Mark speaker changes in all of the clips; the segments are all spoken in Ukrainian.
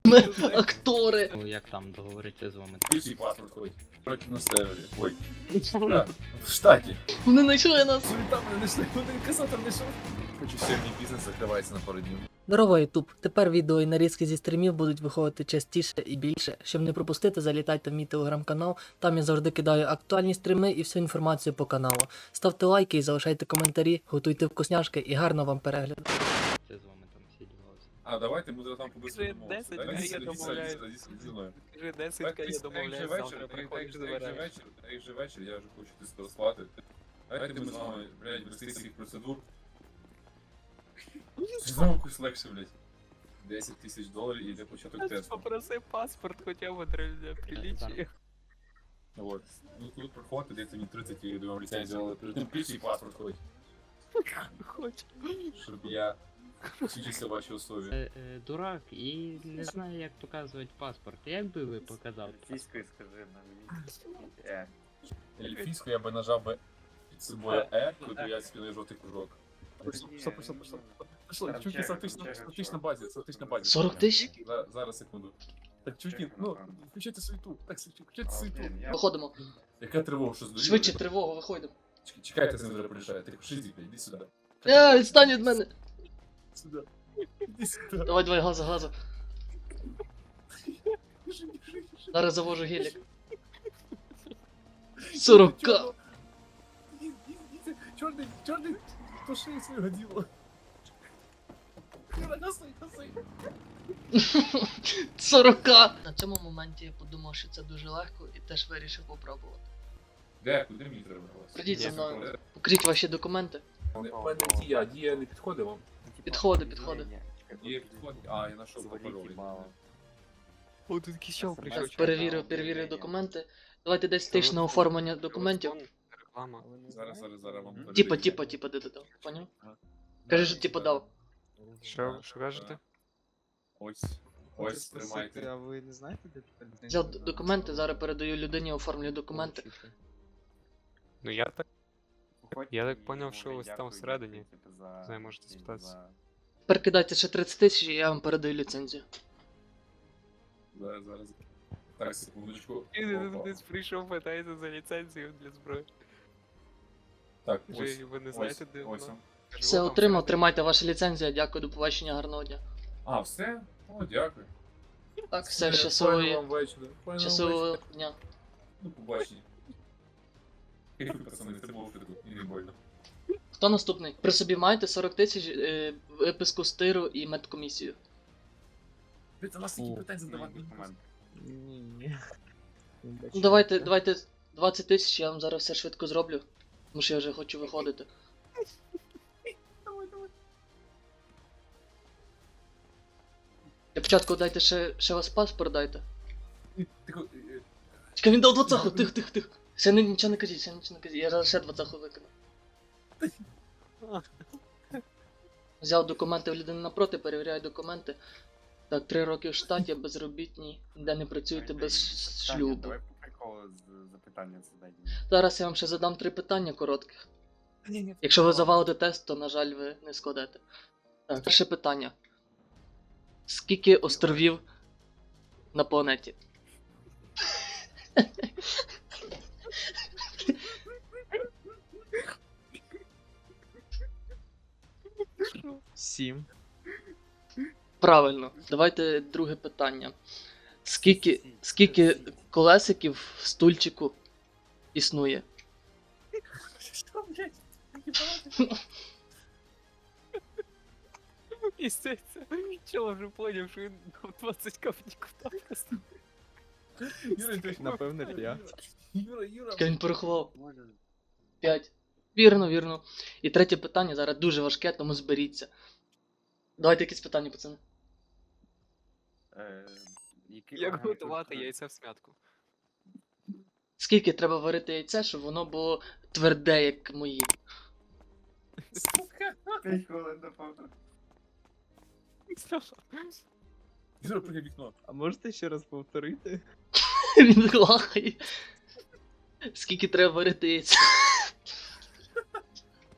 Speaker 1: Ми актори.
Speaker 2: Ну, як там договоритися з вами?
Speaker 3: Ключі паспорт ходить. Проти на сервері. Ой. Да, в штаті.
Speaker 1: Вони знайшли нас.
Speaker 3: Там не знайшли, один касатор знайшов. Хочу сьогодні бізнес закривається на пару днів.
Speaker 1: Здорово, Ютуб. Тепер відео і нарізки зі стрімів будуть виходити частіше і більше. Щоб не пропустити, залітайте в мій телеграм-канал. Там я завжди кидаю актуальні стріми і всю інформацію по каналу. Ставте лайки і залишайте коментарі, готуйте вкусняшки і гарно вам перегляду.
Speaker 2: Це з вами там всі ділося.
Speaker 3: А, давайте ми там побисимо.
Speaker 4: Скажи 10, я домовляюсь. Скажи 10, я домовляюсь, завтра приходиш забираєш.
Speaker 3: Як же вечір, я вже хочу ти спати. Давайте ми з вами, блядь, без цих процедур. Знову якось легше, блядь. $10 000 і йде початок тесту.
Speaker 4: Попроси паспорт хоча б для приличия.
Speaker 3: Вот. Ну тут проходить, дається мені 30 і я думаю, ліцензію, але перед тим ключі паспорт ходить.
Speaker 4: Хочу.
Speaker 3: Щоб я вчився в вашій особі.
Speaker 2: Дурак і не знаю, як показувати паспорт. Як би ви показали?
Speaker 5: Російською скажи на
Speaker 3: Ельфійську я би нажав би під собою куди я спінив жовтий кружок. Пішло, чуки, статична базі, статична базі.
Speaker 1: 40 тисяч?
Speaker 3: Зараз, секунду. Так, чуки, ну, включайте суету, так, включайте суету.
Speaker 1: Виходимо.
Speaker 3: Яка тривога, що здуріли?
Speaker 1: Швидше тривогу, виходимо.
Speaker 3: Чекайте, з ним зараз порішає. Ти шизі, іди сюди.
Speaker 1: Відстань від мене.
Speaker 3: Сюди. Іди сюди.
Speaker 1: Давай, газу. Зараз завожу гелік. 40к.
Speaker 3: Чорний, пошли свого діла. Гаси.
Speaker 1: 40к. На цьому моменті я подумав, що це дуже легко і теж вирішив попробувати.
Speaker 3: Де? Куди мені треба?
Speaker 1: Прийдіть зі мною. Покажіть ваші документи.
Speaker 3: У мене дія не підходить вам?
Speaker 1: Підходи.
Speaker 3: Дія підходить? А, я знайшов пароль.
Speaker 4: О, тут якийсь чел прийшов.
Speaker 1: Так, перевірив документи. Давайте 10 тисяч на оформлення документів.
Speaker 4: Реклама.
Speaker 3: Зараз вам
Speaker 1: Типа, де дав. Поняв? Кажи, що типа дав.
Speaker 4: Що кажете?
Speaker 3: Ось, тримайте.
Speaker 5: А ви не знаєте, де тепер?
Speaker 1: Взяв документи, зараз передаю людині, оформлюю документи.
Speaker 4: Ну я так поняв, що ось там всередині. Знаю, можете спитатися.
Speaker 1: Тепер кидайте ще 30 тисяч і я вам передаю ліцензію.
Speaker 3: Зараз. Так, секундочку.
Speaker 4: І десь прийшов, питається за ліцензію для зброї.
Speaker 3: Так,
Speaker 4: Вже ви не знаєте, де
Speaker 3: ось.
Speaker 4: вона?
Speaker 1: Все отримав, тримайте ваша ліцензія, дякую, до побачення, гарного дня.
Speaker 3: А, все? О, дякую.
Speaker 1: Так, все, щасливого дня.
Speaker 3: Ну, побачення. Пацани, це було швидко, і не больно.
Speaker 1: Хто наступний? При собі маєте 40 тисяч, виписку з тиру і медкомісію.
Speaker 3: Ти у нас такі питання задавати.
Speaker 5: Ні.
Speaker 1: Ну давайте 20 тисяч, я вам зараз все швидко зроблю. Тому що я вже хочу виходити. Для початку дайте ще вас паспорт дайте. Чекай, він дав 20-ху, тих. Ще нічого не кажіть, я зараз ще 20-ху викину. Взяв документи в людини напроти, перевіряю документи. Так, 3 роки в штаті, безробітні, де не працюєте без шлюбу.
Speaker 5: Давай по приколу запитання задай.
Speaker 1: Зараз я вам ще задам 3 питання коротких. Якщо ви завалите тест, то, на жаль, ви не складете. Так, перше питання. Скільки островів на планеті?
Speaker 5: Сім.
Speaker 1: Правильно. Давайте друге питання. Скільки колесиків в стульчику існує?
Speaker 4: І це чел вже поняв, що він 20 копніків там поставив.
Speaker 5: Напевне, 5.
Speaker 1: Як він порахував? 5. Вірно. І третє питання зараз дуже важке, тому зберіться. Давайте якісь питання, пацани.
Speaker 4: Як готувати яйця в смятку?
Speaker 1: Скільки треба варити яйце, щоб воно було тверде, як мої?
Speaker 5: 5 хвилин до повтору.
Speaker 3: Юра, прийде вікно.
Speaker 5: А можете ще раз повторити?
Speaker 1: Він лахає. Скільки треба варити яйце?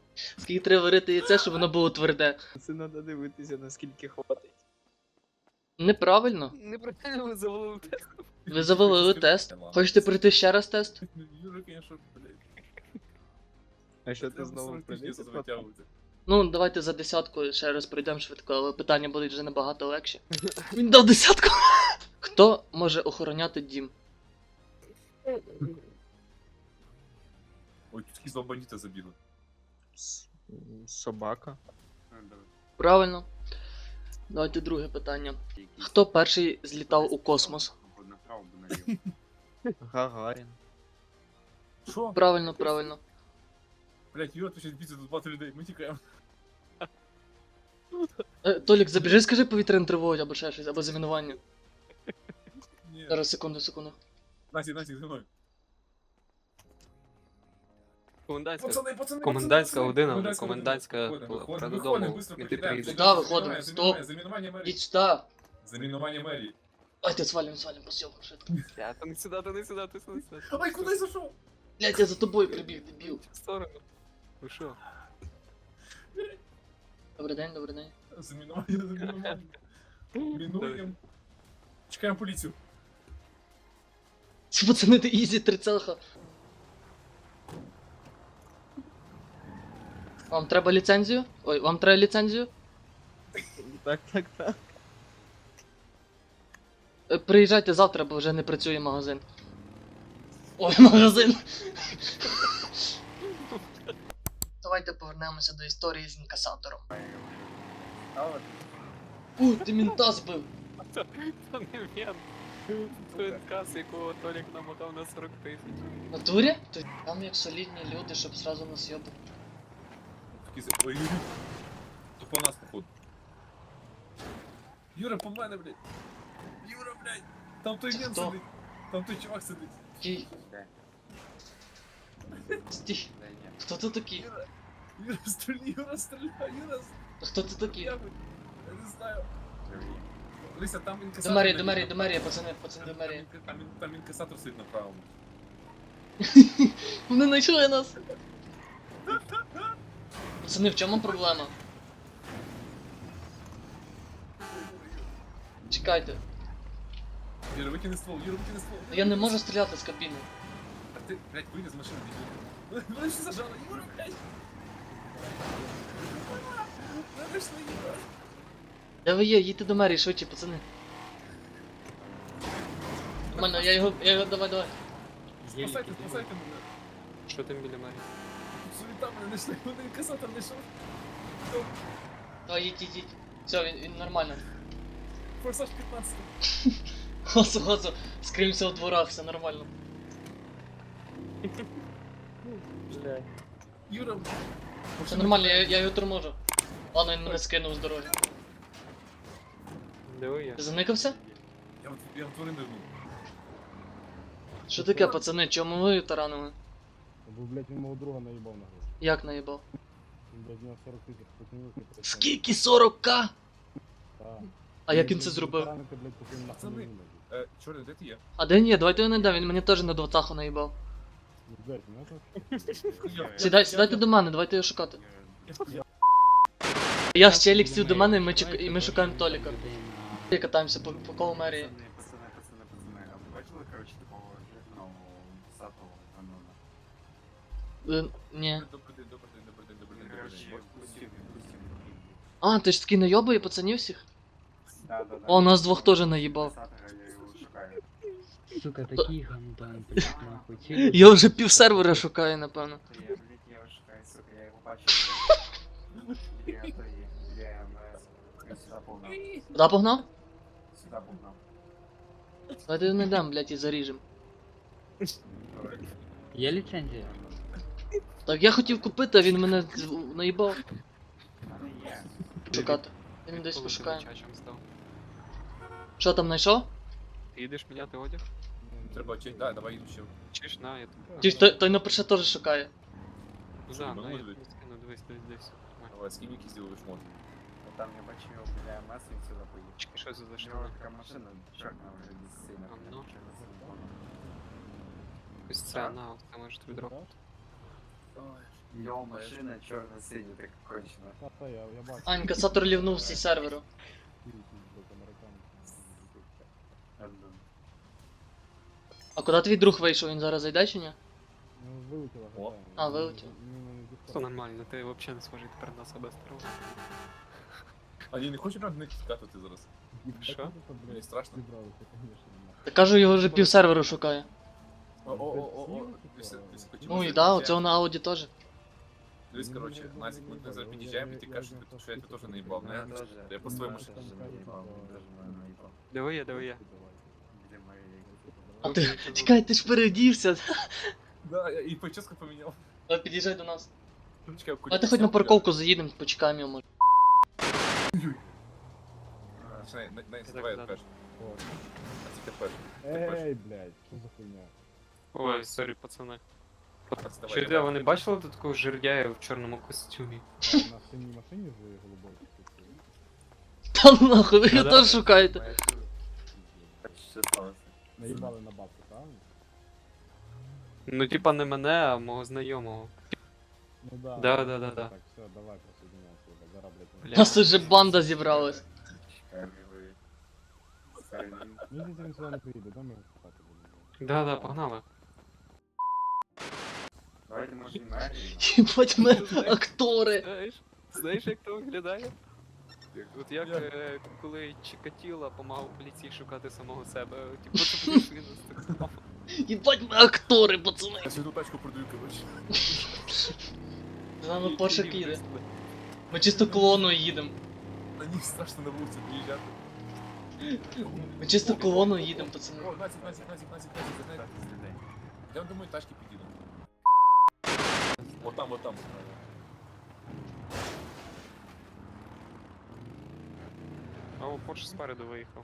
Speaker 1: Скільки треба варити яйце, щоб воно було тверде?
Speaker 5: Це треба дивитися, наскільки хватить.
Speaker 1: Неправильно.
Speaker 4: Неправильно ви завалили тест.
Speaker 1: Ви завалили тест. Хочете пройти ще раз тест?
Speaker 3: Юра, конечно, блядь.
Speaker 5: А що ти
Speaker 3: Треба
Speaker 5: знову
Speaker 3: 40 тисяч
Speaker 5: приліз?
Speaker 3: витягувати.
Speaker 1: Ну, давайте за десятку ще раз пройдемо швидко, але питання будуть вже набагато легші. Він дав десятку. Хто може охороняти дім?
Speaker 3: Ой, тут якісь два бандита забіли.
Speaker 5: Собака.
Speaker 1: Правильно. Давайте друге питання. Хто перший злітав у космос?
Speaker 5: Направо або наліво. Гагарін.
Speaker 3: Що?
Speaker 1: Правильно, правильно.
Speaker 3: Блядь, Юра, тут ще бійся, тут багато людей, ми тікаємо.
Speaker 1: Толік, забіжи, скажи повітряну тривогу або ще щось, або замінування.
Speaker 3: Ні.
Speaker 1: Зараз, секунду.
Speaker 3: Насік, за мною.
Speaker 4: Комендантська.
Speaker 3: Пацани,
Speaker 4: Комендантська година, вже
Speaker 3: Комендантська
Speaker 4: комендантська
Speaker 3: година. Виходимо,
Speaker 4: пора
Speaker 3: виходимо,
Speaker 4: додому.
Speaker 3: быстро
Speaker 4: Іти
Speaker 3: покидаємо.
Speaker 4: приїдеш.
Speaker 1: Да, виходимо, стоп.
Speaker 3: Замінування мерії.
Speaker 1: Ідь сюди.
Speaker 3: Замінування мерії.
Speaker 1: Давайте свалим по сьомку швидко.
Speaker 4: Я, то не сюди, то не сюди, то не сюди.
Speaker 3: Ой, куди я зайшов?
Speaker 1: Блять, я за тобою прибіг, дебіл.
Speaker 4: В сторону. Ви що?
Speaker 1: Добрий день, добрий день.
Speaker 3: Замінування. Мінуємо. Чекаємо поліцію.
Speaker 1: Ці пацани, ти ізі, трицелха. Вам треба ліцензію? Ой, вам треба ліцензію?
Speaker 5: Так.
Speaker 1: Приїжджайте завтра, бо вже не працює магазин. Ой, магазин. Давайте повернемося до історії з інкасатором. Ти мінта збив.
Speaker 4: То не він. То інкас, якого Толік намотав на 40 тисяч.
Speaker 1: В натурі? То там як солідні люди, щоб сразу нас йобати.
Speaker 3: Ой, Юрій. Тут по нас, походу. Юра, по мене, блядь. Юра, блядь. Там той
Speaker 1: Це
Speaker 3: мент
Speaker 1: хто?
Speaker 3: сидить. Там той чувак сидить.
Speaker 1: Стій. Стій. Хто ти такий?
Speaker 3: Юра, стріляй, Юра.
Speaker 1: Хто ти такий?
Speaker 3: Я не знаю. Лися, там
Speaker 1: До
Speaker 3: інкасатор.
Speaker 1: мерії, до мерії, пацани, до мерії.
Speaker 3: Там інкасатор сидить на правому.
Speaker 1: Вони знайшли нас. Пацани, в чому проблема? Чекайте.
Speaker 3: Юра, викини ствол,
Speaker 1: Я не можу стріляти з кабіни.
Speaker 3: А ти, блядь, вийди з машини, біжи. Мене ще зажало, Юра, блядь. Мене ж не Юра.
Speaker 1: Де ви є? Їдьте до мерії, швидше, пацани. Нормально, я його, давай.
Speaker 3: Спасайте мене.
Speaker 4: Що там біля мене?
Speaker 3: Суета мене знайшли, вони інкасатор знайшов.
Speaker 1: Давай, їдь. Все, він нормально.
Speaker 3: Форсаж 15.
Speaker 1: Госу, скримся у дворах, все нормально.
Speaker 3: Юра,
Speaker 1: Все нормально, я його торможу. Ладно, він мене скинув з дороги.
Speaker 4: Де ви є?
Speaker 1: Ти заникався?
Speaker 3: я в тварин дивну.
Speaker 1: Що таке, пацани, чому ви таранили?
Speaker 6: Бо, блядь, він мого друга наїбав на гроші.
Speaker 1: Як наїбав?
Speaker 6: Він, блядь, в нього 40 тисяч покинувки.
Speaker 1: Скільки 40к?
Speaker 6: Так.
Speaker 1: А як він це зробив?
Speaker 6: Таранити, блядь, поки він нахуй
Speaker 3: Пацани.
Speaker 6: не вилазить.
Speaker 3: Чорний, де ти є?
Speaker 1: А де ні, давайте його не йде, він мені теж на двадцаху наїбав.
Speaker 6: Ну, блядь, ну, це...
Speaker 1: Сідайте до мене, давайте його шукати. Я з Челік сів до мене і ми шукаємо Толіка. І катаємося по колу мерії.
Speaker 5: Пацани. А ви бачили, коротше, такого жирного сатого канона?
Speaker 1: Ні.
Speaker 3: Добрий день.
Speaker 5: Коротше, пустів.
Speaker 1: А, ти ж такий найобує пацанів всіх?
Speaker 5: Да.
Speaker 1: О, нас двох теж наїбав.
Speaker 5: Сатора, я його шукаю.
Speaker 2: Сука, такий гандон, блядь, нахуй.
Speaker 1: Я вже пів сервера шукаю, напевно.
Speaker 5: Я його шукаю, сука, я його бачив. Я сюди погнав.
Speaker 1: Куда погнав?
Speaker 5: Сюди погнав.
Speaker 1: Давайте його знайдемо, блядь, і заріжем.
Speaker 2: Є ліцензія?
Speaker 1: Так я хотів купити, а він мене наїбав.
Speaker 5: Але є.
Speaker 1: Шукати. Він десь
Speaker 4: Коли ти
Speaker 1: пошукає.
Speaker 4: чачем став?
Speaker 1: Що там знайшов?
Speaker 4: Ти їдеш міняти одяг?
Speaker 3: Треба честь, да, давай їду ще.
Speaker 4: Чиш на я тут.
Speaker 1: Ті, той напише теж шукає.
Speaker 4: За,
Speaker 3: ну,
Speaker 4: на я
Speaker 3: дивись.
Speaker 4: скину, дивись. Нормально.
Speaker 3: Давай, скинь які зробиш шмот.
Speaker 5: Там я бачив його біля МС, він сюди поїхав.
Speaker 4: Чекай, що це за
Speaker 5: У нього
Speaker 4: штука?
Speaker 5: така машина чорна вже не сильно.
Speaker 4: А, ну.
Speaker 5: Чорно-сильна.
Speaker 4: Ось це, на, це може тобі дропнути.
Speaker 5: Його машина чорно-синя, так кончена.
Speaker 6: Та, я бачу.
Speaker 1: А, інкасатор лівнув всі серверу.
Speaker 6: Блядь, американці.
Speaker 1: А куди твій друг вийшов? Він зараз зайде чи ні?
Speaker 6: Ну, вилетіла,
Speaker 3: О.
Speaker 6: гадаю.
Speaker 1: А, вилетів.
Speaker 6: Ну, не
Speaker 4: Все нормально, ти взагалі не схожий тепер на себе старого.
Speaker 3: А я не хочу на них скатувати зараз.
Speaker 4: Що?
Speaker 3: Мені страшно.
Speaker 6: Зібралися, звісно.
Speaker 1: Та кажу, його вже пів серверу шукає.
Speaker 3: О.
Speaker 1: Ну і да, оцього на ауді теж.
Speaker 3: Дивись, короче, Назик, ми зараз під'їжджаємо, і ти кажеш, що я тебе теж наїбав, не? Я по своєму ж.
Speaker 4: Диви я.
Speaker 5: Где мои...
Speaker 1: А ти, чекай, ти ж переодівся.
Speaker 3: Да, я і прическу поміняв.
Speaker 1: Давай під'їжджай до нас.
Speaker 3: Чекай,
Speaker 1: Давайте хоч на парковку заїдемо, почекаємо його може.
Speaker 3: Починай,
Speaker 4: Так,
Speaker 3: давай
Speaker 4: да.
Speaker 3: перший. А тільки перший.
Speaker 6: Ей, блядь, що за хуйня?
Speaker 4: Ой, сорі, пацани.
Speaker 3: Давай,
Speaker 4: Чи
Speaker 3: давай.
Speaker 4: де ви не бачили тут такого жирдяя в чорному костюмі?
Speaker 6: А, на синій машині з голубою?
Speaker 1: Та нахуй, ви його
Speaker 4: Да-да.
Speaker 1: теж шукаєте.
Speaker 5: Что сталося?
Speaker 6: Наїбали на бабку, правильно?
Speaker 4: Ну, типа не мене, а мого знайомого.
Speaker 6: Ну да.
Speaker 4: Да.
Speaker 6: Так, все, давай присоединяйся, блядь, зараз,
Speaker 1: У
Speaker 6: блядь.
Speaker 1: нас уже банда зібралась.
Speaker 6: Мені здається, він сюди не приїде, да, ми його шукати будемо.
Speaker 4: Да, погнали.
Speaker 5: Давайте, може, і мерію.
Speaker 1: Їбать ми актори.
Speaker 4: Знаєш, як то виглядає? От як коли Чикатіло помагав поліції шукати самого себе, типу, це прийшли нас так само.
Speaker 1: Їбать ми актори, пацани.
Speaker 3: Я сьогодні тачку продаю, короче.
Speaker 1: З нами Порше
Speaker 4: Тоді
Speaker 1: їде.
Speaker 4: висли.
Speaker 1: Ми чисто колоною їдемо.
Speaker 3: На них страшно на вулиці приїжджати.
Speaker 1: Ми чисто колоною їдемо, пацани.
Speaker 3: О, Назик, задай. Я думаю, тачки підійдуть. Вот там.
Speaker 4: А о, Порш спереду виїхав.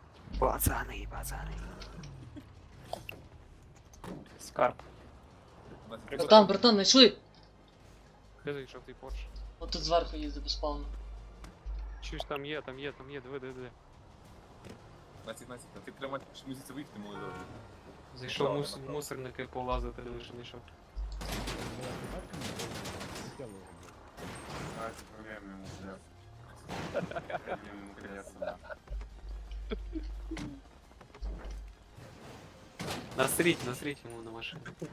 Speaker 4: Скарб.
Speaker 3: Назик,
Speaker 1: Братан, знайшли.
Speaker 4: Де зайшов той Порш?
Speaker 1: От тут зверху їздить безпавно.
Speaker 4: Чуєш, там є, диви.
Speaker 3: Назик, а ти прямо муситься виїхати, молодой.
Speaker 4: Зайшов
Speaker 3: Направо, направо.
Speaker 4: мусорники полазити, диви, що знайшов.
Speaker 6: Давай, ти так, хотіли його, блядь.
Speaker 5: Давайте проверим ему колеса. Проверим ему колеса, да.
Speaker 4: Насріть йому на машину.
Speaker 6: Тут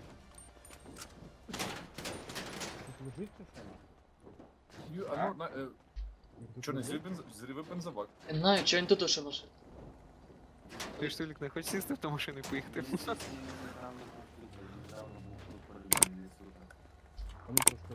Speaker 6: лежить це саме?
Speaker 3: А ну, чорний зривий бензобак.
Speaker 1: Я не знаю, чого він тут ще лише.
Speaker 4: Ти ж Толік, не хочеш сісти в ту машину і поїхати?
Speaker 5: Недавно был в Литве, недавно был в Литве, по-любому, не супер.
Speaker 6: Вони просто